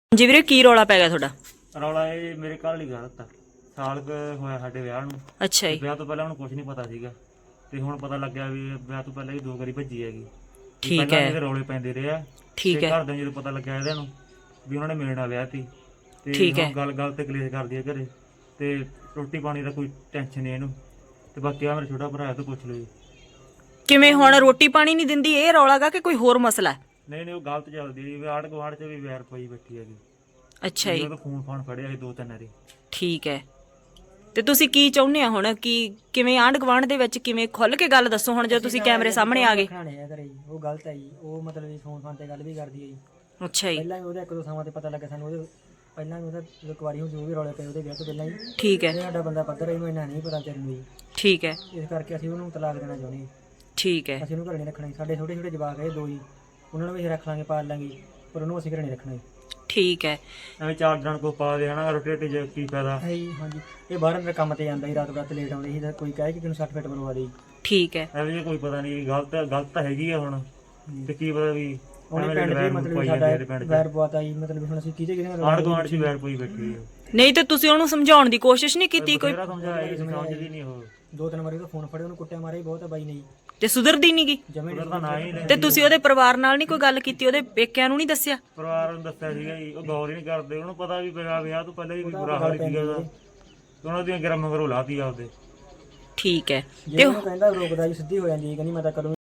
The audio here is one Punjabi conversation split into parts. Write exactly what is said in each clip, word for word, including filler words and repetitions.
ਜੀ ਵੀਰੇ ਕੀ ਰੌਲਾ ਪੈ ਗਿਆ ਤੁਹਾਡਾ? ਰੌਲਾ ਇਹ ਮੇਰੇ ਘਰ ਵਾਲੀ ਗਲਤ ਆ। ਸਾਲ ਕੁ ਹੋਇਆ ਸਾਡੇ ਵਿਆਹ ਨੂੰ। ਅੱਛਾ ਜੀ। ਵਿਆਹ ਤੋਂ ਪਹਿਲਾਂ ਉਹਨੂੰ ਕੁਝ ਨਹੀਂ ਪਤਾ ਸੀਗਾ ਤੇ ਹੁਣ ਪਤਾ ਲੱਗਿਆ ਵੀ ਵਿਆਹ ਤੋਂ ਪਹਿਲਾਂ ਹੀ ਦੋ ਵਾਰੀ ਭੱਜੀ ਹੈਗੀ। ਠੀਕ ਹੈ। ਇਹਦੇ ਰੌਲੇ ਪੈਂਦੇ ਰਹੇ ਆ। ਠੀਕ ਹੈ। ਘਰ ਦੇ ਜਦੋਂ ਪਤਾ ਲੱਗਿਆ ਇਹਦੇ ਨੂੰ ਵੀ ਉਹਨਾਂ ਨੇ ਮੇਰੇ ਨਾਲ ਵਿਆਹ ਤੀ ਤੇ ਠੀਕ ਹੈ। ਗੱਲ ਗੱਲ ਤੇ ਕਲੇਸ਼ ਕਰਦੀ ਹੈ ਘਰੇ ਤੇ ਰੋਟੀ ਪਾਣੀ ਦਾ ਕੋਈ ਟੈਨਸ਼ਨ ਨਹੀਂ ਇਹਨੂੰ। ਤੇ ਬਾਕੀ ਆ ਮੇਰਾ ਛੋਟਾ ਭਰਾ ਤੋਂ ਪੁੱਛ ਲਓ ਜੀ। ਕਿਵੇਂ ਹੁਣ ਰੋਟੀ ਪਾਣੀ ਨਹੀਂ ਦਿੰਦੀ ਇਹ ਰੌਲਾ ਗਾ ਕਿ ਕੋਈ ਹੋਰ ਮਸਲਾ ਹੈ? ਨਹੀਂ ਨਹੀਂ ਉਹ ਗਲਤ ਚੱਲਦੀ ਹੈ। ਆੜ ਗੁਆੜ ਚ ਵੀ ਵੈਰ ਪਈ ਬੈਠੀ ਹੈਗੀ। ਅੱਛਾ ਜੀ। ਉਹਦਾ ਫੋਨ ਫਾਨ ਫੜਿਆ ਸੀ ਦੋ ਤਿੰਨ ਵਾਰੀ। ਠੀਕ ਹੈ। ਤੇ ਤੁਸੀਂ ਕੀ ਚਾਹੁੰਦੇ ਆ ਹੁਣ ਕਿ ਕਿਵੇਂ ਆਂਢ ਗੁਆਂਢ ਦੇ ਵਿੱਚ ਕਿਵੇਂ ਖੁੱਲ ਕੇ ਗੱਲ ਦੱਸੋ ਹੁਣ ਜੇ ਤੁਸੀਂ ਕੈਮਰੇ ਸਾਹਮਣੇ ਆ ਗਏ। ਉਹ ਗਲਤ ਹੈ ਜੀ। ਉਹ ਮਤਲਬ ਵੀ ਫੋਨ ਫਾਨ ਤੇ ਗੱਲ ਵੀ ਕਰਦੀ ਹੈ ਜੀ। ਅੱਛਾ ਜੀ। ਪਹਿਲਾਂ ਵੀ ਉਹਦੇ ਇੱਕ ਦੋ ਥਾਵਾਂ ਤੇ ਪਤਾ ਲੱਗਾ ਸਾਨੂੰ। ਉਹਦੇ ਪਹਿਲਾਂ ਵੀ ਉਹਦਾ ਜਦੋਂ ਕੁਆਰੀ ਹੋ ਜੋ ਵੀ ਰੌਲੇ ਪਏ ਉਹਦੇ ਵਿਆਹ ਤੋਂ ਪਹਿਲਾਂ ਹੀ। ਠੀਕ ਹੈ। ਸਾਡਾ ਬੰਦਾ ਪੱਧਰ ਇਹਨੂੰ ਇੰਨਾ ਨਹੀਂ ਪਤਾ ਚੱਲੂ ਜੀ। ਠੀਕ ਹੈ। ਇਸ ਕਰਕੇ ਅਸੀਂ ਉਹਨੂੰ ਤਲਾਕ ਦੇਣਾ ਚਾਹੁੰਦੇ ਹਾਂ। ਠੀਕ ਹੈ। ਅਸੀਂ ਉਹਨੂੰ ਘਰੇ ਨਹੀਂ ਰੱਖਣਾ। ਸਾਡੇ ਛੋਟੇ ਛੋਟੇ ਜਵਾਕ ਹੈ ਦੋ ਹੀ। ਉਹਨਾਂ ਨੂੰ ਵੀ ਅਸੀਂ ਰੱਖ ਲਾਂਗੇ ਪਾਲ ਲਾਂਗੇ ਪਰ ਉਹਨੂੰ ਅਸੀਂ ਘਰੇ ਨਹੀਂ ਰੱਖਣਾ। ਠੀਕ ਹੈ। ਐਵੇਂ ਚਾਰ ਜਣ ਕੋ ਪਾ ਦੇ ਹਨਾ ਰੋਟੀ ਰੋਟੀ ਕੀ ਫਾਇਦਾ ਹੈ ਜੀ। ਹਾਂਜੀ ਇਹ ਬਾਹਰ ਅੰਦਰ ਕੰਮ ਤੇ ਜਾਂਦਾ ਸੀ ਰਾਤ ਰਾਤ ਲੇਟ ਆਉਂਦੇ ਸੀ ਤਾਂ ਕੋਈ ਕਹੇ ਕਿ ਤੈਨੂੰ ਸੱਟ ਫੇਟ ਮਰਵਾ ਦੇ। ਠੀਕ ਹੈ। ਐਵੇਂ ਜੇ ਕੋਈ ਪਤਾ ਨਹੀਂ ਗਲਤ ਗਲਤ ਤਾਂ ਹੈਗੀ ਆ ਹੁਣ ਤੇ ਕੀ ਪਤਾ ਵੀ ਉਹਨੇ ਪਿੰਡ ਦੇ ਮਤਲਬ ਸਾਡਾ ਵੈਰ ਪਵਾਤਾ ਜੀ। ਮਤਲਬ ਹੁਣ ਅਸੀਂ ਕਿਹਦੇ ਕਿਹਦੇ ਨਾਲ ਆੜ ਗੁਆਂਢ ਚ ਵੈਰ ਪਈ ਬੈਠੀ ਹੈ। ਨਹੀਂ ਤੇ ਤੁਸੀਂ ਉਹਨੂੰ ਸਮਝਾਉਣ ਦੀ ਕੋਸ਼ਿਸ਼ ਨਹੀਂ ਕੀਤੀ ਕੋਈ? ਮੇਰਾ ਸਮਝਾਇਆ ਸਮਝਦੀ ਨਹੀਂ ਉਹ। ਦੋ ਤਿੰਨ ਵਾਰੀ ਉਹਦਾ ਫੋਨ ਫੜਿਆ ਉਹਨੂੰ ਕੁੱਟਿਆ ਮਾਰਿਆ ਬਹੁਤ ਬਾਈ ਨੇ ਜੀ। ਤੇ ਸੁਧਰਦੀ ਨਹੀਂ ਗੀ? ਜਮੇ ਉਹਦਾ ਨਾਂ ਹੀ ਤੇ ਤੁਸੀਂ ਉਹਦੇ ਪਰਿਵਾਰ ਨਾਲ ਨਹੀਂ ਕੋਈ ਗੱਲ ਕੀਤੀ? ਉਹਦੇ ਪੇਕਿਆਂ ਨੂੰ ਨਹੀਂ ਦੱਸਿਆ? ਪਰਿਵਾਰ ਨੂੰ ਦੱਸਿਆ ਸੀਗਾ ਜੀ। ਉਹ ਗੌਰ ਹੀ ਨਹੀਂ ਕਰਦੇ। ਉਹਨੂੰ ਪਤਾ ਵੀ ਪਿਆ ਵਿਆਹ ਤੋਂ ਪਹਿਲਾਂ ਹੀ ਬੁਰਾ ਹਾਲ ਸੀਗਾ ਉਹਦਾ। ਉਹਨਾਂ ਦੀਆਂ ਗਰਮ ਮਗਰੋਂ ਲਾਤੀ ਆਪਦੇ। ਠੀਕ ਹੈ। ਤੇ ਉਹ ਕਹਿੰਦਾ ਰੋਕਦਾ ਜੀ ਸਿੱਧੀ ਹੋ ਜਾਂਦੀ ਕਹਿੰਦੀ ਮੈਂ ਤਾਂ ਕਰੂੰ।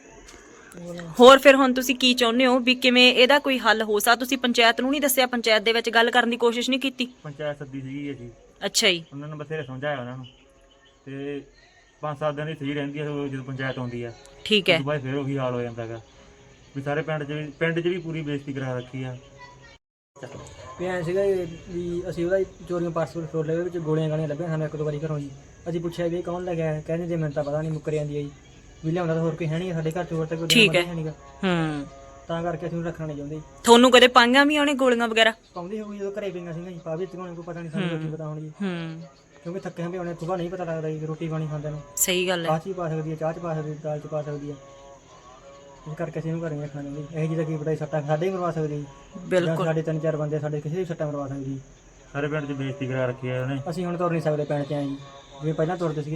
ਹੋਰ ਫਿਰ ਹੁਣ ਤੁਸੀਂ ਕੀ ਚਾਹੁੰਦੇ ਹੋ ਵੀ ਕਿਵੇਂ ਇਹਦਾ ਕੋਈ ਹੱਲ ਹੋ ਸਕਦਾ? ਤੁਸੀਂ ਪੰਚਾਇਤ ਨੂੰ ਨਹੀਂ ਦੱਸਿਆ? ਪੰਚਾਇਤ ਦੇ ਵਿੱਚ ਗੱਲ ਕਰਨ ਦੀ ਕੋਸ਼ਿਸ਼ ਨਹੀਂ ਕੀਤੀ? ਪੰਚਾਇਤ ਸੱਦੀ ਸੀਗੀ ਜੀ। ਅੱਛਾ ਜੀ। ਉਹਨਾਂ ਨੇ ਬਥੇਰੇ ਸਮਝਾਇਆ ਉਹਨਾਂ ਨੂੰ ਤੇ ਪੰਜ ਸੱਤ ਦਿਨ ਦੀ ਸਹੀ ਰਹਿੰਦੀ ਹੈ ਜਦੋਂ ਪੰਚਾਇਤ ਆਉਂਦੀ ਆ। ਠੀਕ ਹੈ। ਬਾਅਦ ਫਿਰ ਉਹੀ ਹਾਲ ਹੋ ਜਾਂਦਾ ਹੈਗਾ ਵੀ ਸਾਰੇ ਪਿੰਡ 'ਚ ਵੀ ਪਿੰਡ 'ਚ ਵੀ ਪੂਰੀ ਬੇਇੱਜ਼ਤੀ ਕਰਾ ਰੱਖੀ ਆ। ਵੀ ਐਂ ਸੀਗਾ ਵੀ ਅਸੀਂ ਉਹਦਾ ਚੋਰੀਆਂ ਪਾਸਪੋਰਟ ਫੋਰ ਲੈ ਵਿੱਚ ਗੋਲੀਆਂ ਗਾਲੀਆਂ ਲੱਭੀਆਂ ਸਾਨੂੰ ਇੱਕ ਦੋ ਵਾਰੀ ਘਰੋਂ ਜੀ। ਅਸੀਂ ਪੁੱਛਿਆ ਵੀ ਕੌਣ ਲੈ ਗਿਆ? ਕਹਿੰਦੇ ਜੇ ਮੈਨੂੰ ਤਾਂ ਪਤਾ ਨਹੀਂ ਮੁੱਕਰ ਜਾਂਦੀ ਹੈ ਜੀ। ਵੀ ਲਿਆਉਂਦਾ ਤਾਂ ਹੋਰ ਕੋਈ ਹੈ ਨਹੀਂ ਸਾਡੇ ਘਰ 'ਚ ਹੋਰ ਤਾਂ ਕੋਈ ਠੀਕ ਹੈ। ਹੈ ਨਹੀਂਗਾ। ਹੂੰ। ਤਾਂ ਕਰਕੇ ਅਸੀਂ ਉਹਨੂੰ ਰੱਖਣਾ ਨਹੀਂ ਚਾਹੁੰਦੇ। ਤੁਹਾਨੂੰ ਕਦੇ ਪਾਈਆਂ ਵੀ ਉਹਨੇ ਗੋਲੀਆਂ ਵਗੈਰਾ? ਪਾਉਂਦੀ ਹੋਊਗੀ ਜਦੋਂ ਘਰੇ ਪਈਆਂ ਸੀਗੀਆਂ ਜੀ। ਪਾ ਵੀ ਤਗਾਉਣੇ ਕੋਈ ਪਤਾ ਨਹੀਂ ਸਾਨੂੰ ਕੀ ਪਤਾ ਹੁਣ ਜੀ। ਹੂੰ। ਕਿਉਂਕਿ ਥੱਕੇ ਹਾਂ ਵੀ ਉਹਨੇ ਸੁਬਾਹ ਨਹੀਂ ਪਤਾ ਲੱਗਦਾ ਜੀ ਰੋਟੀ ਪਾਣੀ ਖਾਂਦੇ ਨੂੰ। ਸਹੀ ਗੱਲ ਹੈ। ਕਾਹ 'ਚ ਵੀ ਪਾ ਸਕਦੀ ਹੈ, ਚਾਹ 'ਚ ਪਾ ਸਕਦੀ ਹੈ, ਦਾਲ 'ਚ ਪਾ ਸਕਦੀ ਹੈ। ਇਸ ਕਰਕੇ ਅਸੀਂ ਇਹਨੂੰ ਘਰੇ ਨਹੀਂ ਰੱਖਣਾ ਚਾਹੁੰਦੇ। ਇਹ ਜਿਹੀ ਦਾ ਕੀ ਪਤਾ ਸੱਟਾਂ ਸਾਡੇ ਹੀ ਮਰਵਾ ਸਕਦੀ ਜੀ। ਬਿਲਕੁਲ। ਸਾਡੇ ਤਿੰਨ ਚਾਰ ਬੰਦੇ ਸਾਡੇ ਕਿਸੇ ਵੀ ਸੱਟਾਂ ਮਰਵਾ ਸਕਦੀ। ਸਾਰੇ ਪਿੰਡ 'ਚ ਬੇਇੱਜ਼ਤੀ ਕਰਾ ਰੱਖੀ ਆ ਉਹਨੇ। ਅਸੀਂ ਹੁਣ ਤੁਰ ਨਹੀਂ ਸਕਦੇ ਪਿੰਡ 'ਚ ਆਏ ਜੀ ਜਿਵੇਂ ਪਹਿਲਾਂ ਤੁਰਦੇ ਸੀਗੇ।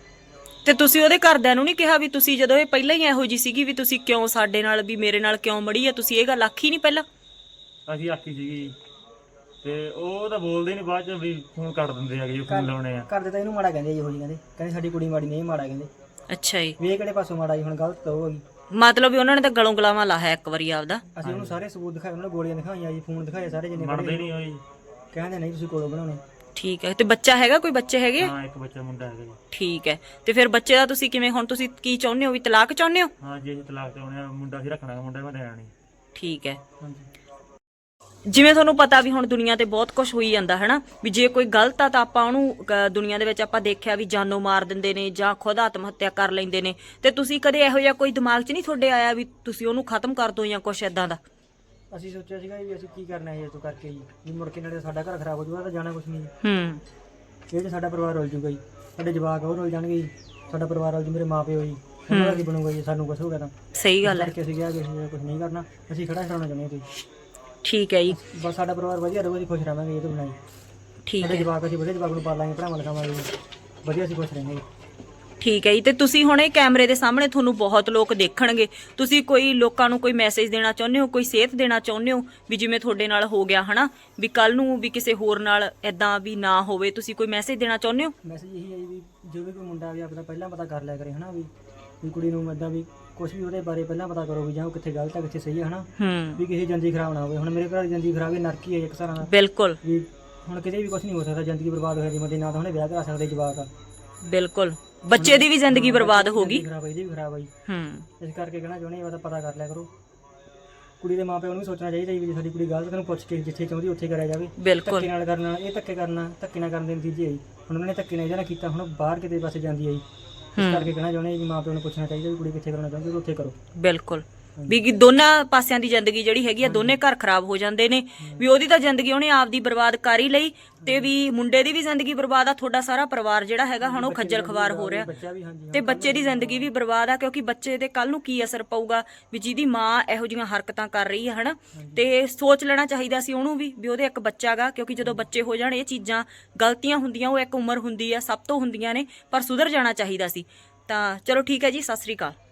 ਤੇ ਤੁਸੀਂ ਉਹਦੇ ਘਰਦਿਆਂ ਨੂੰ ਨਹੀਂ ਕਿਹਾ ਵੀ ਤੁਸੀਂ ਜਦੋਂ ਇਹ ਪਹਿਲਾਂ ਹੀ ਇਹੋ ਜੀ ਸੀਗੀ ਵੀ ਤੁਸੀਂ ਕਿਉਂ ਸਾਡੇ ਨਾਲ ਵੀ ਮੇਰੇ ਨਾਲ ਕਿਉਂ ਮੜੀ ਆ? ਤੁਸੀਂ ਇਹ ਗੱਲ ਆਖੀ ਨਹੀਂ ਪਹਿਲਾਂ? ਅਸੀਂ ਆਖੀ ਸੀਗੀ ਤੇ ਉਹ ਤਾਂ ਬੋਲਦੇ ਨਹੀਂ ਬਾਅਦ 'ਚ ਵੀ ਫੋਨ ਕੱਟ ਦਿੰਦੇ ਹੈਗੇ ਜੀ ਫੋਨ ਲਾਉਣੇ ਆ। ਘਰ ਦੇ ਤਾਂ ਇਹਨੂੰ ਮਾੜਾ ਕਹਿੰਦੇ ਜੀ। ਉਹੀ ਕਹਿੰਦੇ ਕਹਿੰਦੇ ਸਾਡੀ ਕੁੜੀ ਮਾੜੀ ਨਹੀਂ ਮਾੜਾ ਕਹਿੰਦੇ। ਅੱਛਾ ਜੀ। ਵੀ ਇਹ ਕਿਹੜੇ ਪਾਸੋਂ ਮਾੜਾ ਜੀ? ਹੁਣ ਗਲਤ ਤਾਂ ਉਹ ਹੈਗੀ। ਮਤਲਬ ਵੀ ਉਹਨਾਂ ਨੇ ਤਾਂ ਗਲੋਂ ਗਲਾਵਾਂ ਲਾਇਆ ਇੱਕ ਵਾਰੀ ਆਪਦਾ। ਅਸੀਂ ਉਹਨੂੰ ਸਾਰੇ ਸਬੂਤ ਦਿਖਾਏ। ਉਹਨਾਂ ਨੇ ਗੋਲੀਆਂ ਦਿਖਾਈਆਂ ਜੀ, ਫੋਨ ਦਿਖਾਏ ਸਾਰੇ ਜਿੰਨੇ ਮੰਨਦੇ ਨਹੀਂ ਹੋਈ। ਕਹਿੰਦੇ ਨਹੀਂ ਤੁਸੀਂ ਕੋਲੋਂ ਬਣਾਉਣੇ। ਠੀਕ ਹੈ। ਤੇ ਬੱਚਾ ਹੈਗਾ? ਕੋਈ ਬੱਚੇ ਹੈਗੇ? ਹਾਂ ਇੱਕ ਬੱਚਾ ਮੁੰਡਾ ਹੈਗਾ ਜੀ। ਠੀਕ ਹੈ। ਤੇ ਫਿਰ ਬੱਚੇ ਦਾ ਤੁਸੀਂ ਕਿਵੇਂ ਹੁਣ ਤੁਸੀਂ ਕੀ ਚਾਹੁੰਦੇ ਹੋ ਵੀ ਤਲਾਕ ਚਾਹੁੰਦੇ ਹੋ? ਹਾਂ ਜੀ ਅਸੀਂ ਤਲਾਕ ਚਾਹੁੰਦੇ ਆ। ਮੁੰਡਾ ਅਸੀਂ ਰੱਖਣਾ ਮੁੰਡਾ ਮੈਂ ਦੇਣਾ ਨਹੀਂ। ਠੀਕ ਹੈ। ਹਾਂਜੀ। ਜਿਵੇਂ ਤੁਹਾਨੂੰ ਪਤਾ ਵੀ ਹੁਣ ਦੁਨੀਆ ਤੇ ਬਹੁਤ ਕੁਝ ਹੋਈ ਜਾਂਦਾ ਹਨਾ ਵੀ ਜੇ ਕੋਈ ਗਲਤ ਆ ਤਾਂ ਆਪਾਂ ਉਹਨੂੰ ਅ, ਦੁਨੀਆ ਦੇ ਵਿੱਚ ਆਪਾਂ ਦੇਖਿਆ ਵੀ ਜਾਨੋਂ ਮਾਰ ਦਿੰਦੇ ਨੇ ਜਾਂ ਖੁਦ ਆਤਮ ਹੱਤਿਆ ਕਰ ਲੈਂਦੇ ਨੇ। ਤੇ ਤੁਸੀਂ ਕਦੇ ਇਹੋ ਜਿਹਾ ਕੋਈ ਦਿਮਾਗ 'ਚ ਨਹੀਂ ਤੁਹਾਡੇ ਆਇਆ ਵੀ ਤੁਸੀਂ ਉਹਨੂੰ ਖਤਮ ਕਰ ਦੋ ਜਾਂ ਕੁਛ ਏਦਾਂ ਦਾ? ਅਸੀਂ ਸੋਚਿਆ ਸੀਗਾ ਵੀ ਅਸੀਂ ਕੀ ਕਰਨਾ ਹੈ ਇਹ ਤੋਂ ਕਰਕੇ ਜੀ ਵੀ ਮੁੜ ਕੇ ਨਾਲੇ ਸਾਡਾ ਘਰ ਖਰਾਬ ਹੋ ਜਾਊਗਾ ਤਾਂ ਜਾਣਾ ਕੁਛ ਨਹੀਂ। ਹੂੰ। ਇਹ 'ਚ ਸਾਡਾ ਪਰਿਵਾਰ ਰੁਲ ਜੂਗਾ ਜੀ। ਸਾਡੇ ਜਵਾਕ ਉਹ ਰੁਲ ਜਾਣਗੇ ਜੀ। ਸਾਡਾ ਪਰਿਵਾਰ ਰੁਲ ਜੂ। ਮੇਰੇ ਮਾਂ ਪਿਓ ਜੀ ਉਹਨਾਂ ਦਾ ਕੀ ਬਣੂਗਾ ਜੀ? ਸਾਨੂੰ ਕੁਛ ਹੋ ਗਿਆ ਤਾਂ। ਸਹੀ ਗੱਲ ਹੈ। ਕਰਕੇ ਅਸੀਂ ਕਿਹਾ ਕਿ ਅਸੀਂ ਕੁਛ ਨਹੀਂ ਕਰਨਾ। ਅਸੀਂ ਖੜਾ ਛਡਾਉਣਾ ਚਾਹੁੰਦੇ ਹਾਂ ਤੁਸੀਂ। ਠੀਕ ਹੈ ਜੀ। ਬਸ ਸਾਡਾ ਪਰਿਵਾਰ ਵਧੀਆ ਰਹੂਗਾ ਜੀ। ਖੁਸ਼ ਰਹਾਂਗੇ ਇਹ ਤੋਂ ਬਿਨਾਂ ਜੀ। ਠੀਕ ਸਾਡੇ ਹੈ। ਜਵਾਕ ਅਸੀਂ ਵਧੀਆ ਜਵਾਕ ਨੂੰ ਪਾਲਾਂਗੇ ਪੜਾਵਾਂ ਲਿਖਾਵਾਂਗੇ ਵਧੀਆ ਅਸੀਂ ਖੁਸ਼ ਰਹਾਂਗੇ। ਠੀਕ ਹੈ ਜੀ। ਤੇ ਤੁਸੀਂ ਹੁਣ ਇਹ ਕੈਮਰੇ ਦੇ ਸਾਹਮਣੇ ਤੁਹਾਨੂੰ ਬਹੁਤ ਲੋਕ ਦੇਖਣਗੇ। ਤੁਸੀਂ ਕੋਈ ਲੋਕਾਂ ਨੂੰ ਕੋਈ ਮੈਸੇਜ ਦੇਣਾ ਚਾਹੁੰਦੇ ਹੋ? ਕੋਈ ਸੇਧ ਦੇਣਾ ਚਾਹੁੰਦੇ ਹੋ ਵੀ ਜਿਵੇਂ ਤੁਹਾਡੇ ਨਾਲ ਹੋ ਗਿਆ ਹਨਾ ਵੀ ਕੱਲ ਨੂੰ ਵੀ ਕਿਸੇ ਹੋਰ ਨਾਲ ਏਦਾਂ ਵੀ ਨਾ ਹੋਵੇ? ਤੁਸੀਂ ਕੋਈ ਮੈਸੇਜ ਦੇਣਾ ਚਾਹੁੰਦੇ ਹੋ? ਮੈਸੇਜ ਇਹੀ ਹੈ ਜੀ ਵੀ ਜੋ ਵੀ ਕੋਈ ਮੁੰਡਾ ਵੀ ਆਪਣਾ ਪਹਿਲਾਂ ਪਤਾ ਕਰ ਲਿਆ ਕਰੇ ਹਨਾ ਵੀ ਵੀ ਕੁੜੀ ਨੂੰ ਇੱਦਾਂ ਵੀ ਕੁਛ ਵੀ ਉਹਦੇ ਬਾਰੇ ਪਹਿਲਾਂ ਪਤਾ ਕਰੋ ਵੀ ਜਾਂ ਉਹ ਕਿੱਥੇ ਗਲਤ ਹੈ ਕਿੱਥੇ ਸਹੀ ਹੈ ਹਨਾ। ਹੂੰ। ਵੀ ਕਿਸੇ ਜ਼ਿੰਦਗੀ ਖਰਾਬ ਨਾ ਹੋਵੇ। ਹੁਣ ਮੇਰੇ ਘਰ ਦੀ ਜ਼ਿੰਦਗੀ ਖਰਾਬ ਹੈ ਨਰਕੀ ਹੈ ਇੱਕ ਤਰ੍ਹਾਂ ਨਾਲ। ਬਿਲਕੁਲ। ਵੀ ਹੁਣ ਕਿਤੇ ਵੀ ਕੁਛ ਨਹੀਂ ਹੋ ਸਕਦਾ। ਜ਼ਿੰਦਗੀ ਬਰਬਾਦ ਹੋ ਜਾਂਦੀ ਮਤੇ ਨਾ ਤਾਂ ਉਹਨੇ ਵਿਆਹ ਕਰਾ ਸਕਦੇ ਜਵਾਕ ਆ। ਬਿਲਕੁਲ। ਬੱਚੇ ਦੀ ਵੀ ਜ਼ਿੰਦਗੀ ਬਰਬਾਦ ਹੋ ਗਈ। ਖਰਾਬ ਹੈ ਇਹਦੀ ਵੀ ਖਰਾਬ ਹੈ ਜੀ। ਹੂੰ। ਇਸ ਕਰਕੇ ਕਹਿਣਾ ਚਾਹੁੰਦੇ ਆ ਤਾਂ ਪਤਾ ਕਰ ਲਿਆ ਕਰੋ। ਕੁੜੀ ਦੇ ਮਾਪਿਆਂ ਨੂੰ ਵੀ ਸੋਚਣਾ ਚਾਹੀਦਾ ਵੀ ਸਾਡੀ ਕੁੜੀ ਗਲਤ ਨੂੰ ਪੁੱਛ ਕੇ ਜਿੱਥੇ ਚਾਹੁੰਦੀ ਉੱਥੇ ਕਰਿਆ ਜਾਵੇ। ਬਿਲਕੁਲ। ਧੱਕੇ ਨਾਲ ਕਰਨਾ ਇਹ ਧੱਕੇ ਕਰਨਾ ਧੱਕੇ ਨਾਲ ਕਰਨ ਦੇ ਨਤੀਜੇ ਆਈ। ਹੁਣ ਉਹਨਾਂ ਨੇ ਧੱਕੇ ਨਾਲ ਇਹਦਾ ਨਾ ਕੀਤਾ ਹੁਣ ਬਾਹਰ ਕਿਤੇ ਪਾਸੇ ਜਾਂਦੀ ਆਈ। ਇਸ ਕਰਕੇ ਕਹਿਣਾ ਚਾਹੁੰਦੇ ਵੀ ਮਾਪਿਆਂ ਨੂੰ ਪੁੱਛਣਾ ਚਾਹੀਦਾ ਵੀ ਕੁੜੀ ਕਿੱਥੇ ਕਰਨਾ ਚਾਹੁੰਦੀ ਉੱਥੇ ਕਰੋ। ਬਿਲਕੁਲ। ਵੀ ਕਿ ਦੋਨਾਂ ਪਾਸਿਆਂ ਦੀ ਜ਼ਿੰਦਗੀ ਜਿਹੜੀ ਹੈਗੀ ਆ ਦੋਨੇ ਘਰ ਖਰਾਬ ਹੋ ਜਾਂਦੇ ਨੇ ਵੀ ਉਹਦੀ ਤਾਂ ਜ਼ਿੰਦਗੀ ਉਹਨੇ ਆਪਦੀ ਬਰਬਾਦ ਕਰ ਹੀ ਲਈ ਤੇ ਵੀ ਮੁੰਡੇ ਦੀ ਵੀ ਜ਼ਿੰਦਗੀ ਬਰਬਾਦ ਆ ਤੁਹਾਡਾ ਸਾਰਾ ਪਰਿਵਾਰ ਜਿਹੜਾ ਹੈਗਾ ਹੁਣ ਉਹ ਖੱਜਲ ਖਵਾਰ ਹੋ ਰਿਹਾ ਬੱਚਾ ਵੀ ਹਾਂਜੀ ਤੇ ਬੱਚੇ ਦੀ ਜ਼ਿੰਦਗੀ ਵੀ ਬਰਬਾਦ ਆ ਕਿਉਂਕਿ ਬੱਚੇ ਦੇ ਕੱਲ ਨੂੰ ਕੀ ਅਸਰ ਪਊਗਾ ਵੀ ਜਿਹਦੀ ਮਾਂ ਇਹੋ ਜਿਹੀਆਂ ਹਰਕਤਾਂ ਕਰ ਰਹੀ ਆ ਹਨਾ ਤੇ ਸੋਚ ਲੈਣਾ ਚਾਹੀਦਾ ਸੀ ਉਹਨੂੰ ਵੀ ਵੀ ਉਹਦੇ ਇੱਕ ਬੱਚਾ ਗਾ ਕਿਉਂਕਿ ਜਦੋਂ ਬੱਚੇ ਹੋ ਜਾਣ ਇਹ ਚੀਜ਼ਾਂ ਗਲਤੀਆਂ ਹੁੰਦੀਆਂ ਉਹ ਇੱਕ ਉਮਰ ਹੁੰਦੀ ਆ ਸਭ ਤੋਂ ਹੁੰਦੀਆਂ ਨੇ ਪਰ ਸੁਧਰ ਜਾਣਾ ਚਾਹੀਦਾ ਸੀ ਤਾਂ ਚਲੋ ਠੀਕ ਹੈ ਜੀ ਸਤਿ ਸ੍ਰੀ ਅਕਾਲ।